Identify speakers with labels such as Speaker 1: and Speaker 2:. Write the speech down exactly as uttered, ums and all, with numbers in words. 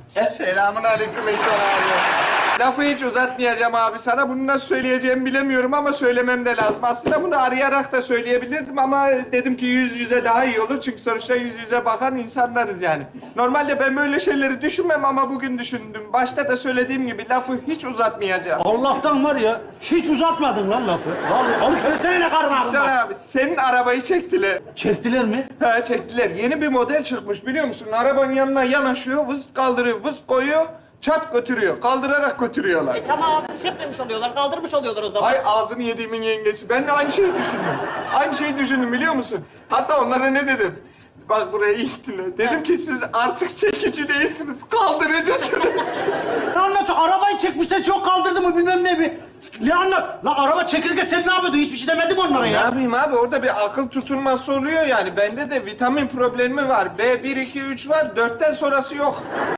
Speaker 1: Selamun aleyküm Eşer abi. Lafı hiç uzatmayacağım abi sana. Bunu nasıl söyleyeceğimi bilemiyorum ama söylemem de lazım. Aslında bunu arayarak da söyleyebilirdim ama dedim ki yüz yüze daha iyi olur. Çünkü sonuçta yüz yüze bakan insanlarız yani. Normalde ben böyle şeyleri düşünmem ama bugün düşündüm. Başta da söylediğim gibi lafı hiç uzatmayacağım.
Speaker 2: Allah'tan var ya, hiç uzatmadın lan lafı. Vallahi, oğlum söylesene ne karın
Speaker 1: Sen
Speaker 2: ağrın var.
Speaker 1: abi, senin arabayı çektiler.
Speaker 2: Çektiler mi?
Speaker 1: Ha çektiler. Yeni bir model çıkmış biliyor musun? Arabanın yanına yanaşıyor, vız kaldırıyor, vız koyuyor, çat götürüyor. Kaldırarak götürüyorlar.
Speaker 3: E tamam, çekmemiş oluyorlar, kaldırmış oluyorlar o zaman.
Speaker 1: Ay ağzını yediğimin yengesi. Ben de aynı şeyi düşündüm. Aynı şeyi düşündüm biliyor musun? Hatta onlara ne dedim? Bak buraya iyi dinle. Dedim ki siz artık çekici değilsiniz, kaldırıcısınız.
Speaker 2: Ne anlatıyor? Arabayı çekmişler, çok kaldırdı mı bilmem ne bir. Ne anlat? Lan araba çekilirken sen ne yapıyordun? Hiçbir şey demedim onlara
Speaker 1: Ne
Speaker 2: ya.
Speaker 1: yapayım abi? Orada bir akıl tutulması oluyor yani. Bende de vitamin problemi var. B bir, iki, üç var. Dörtten sonrası yok.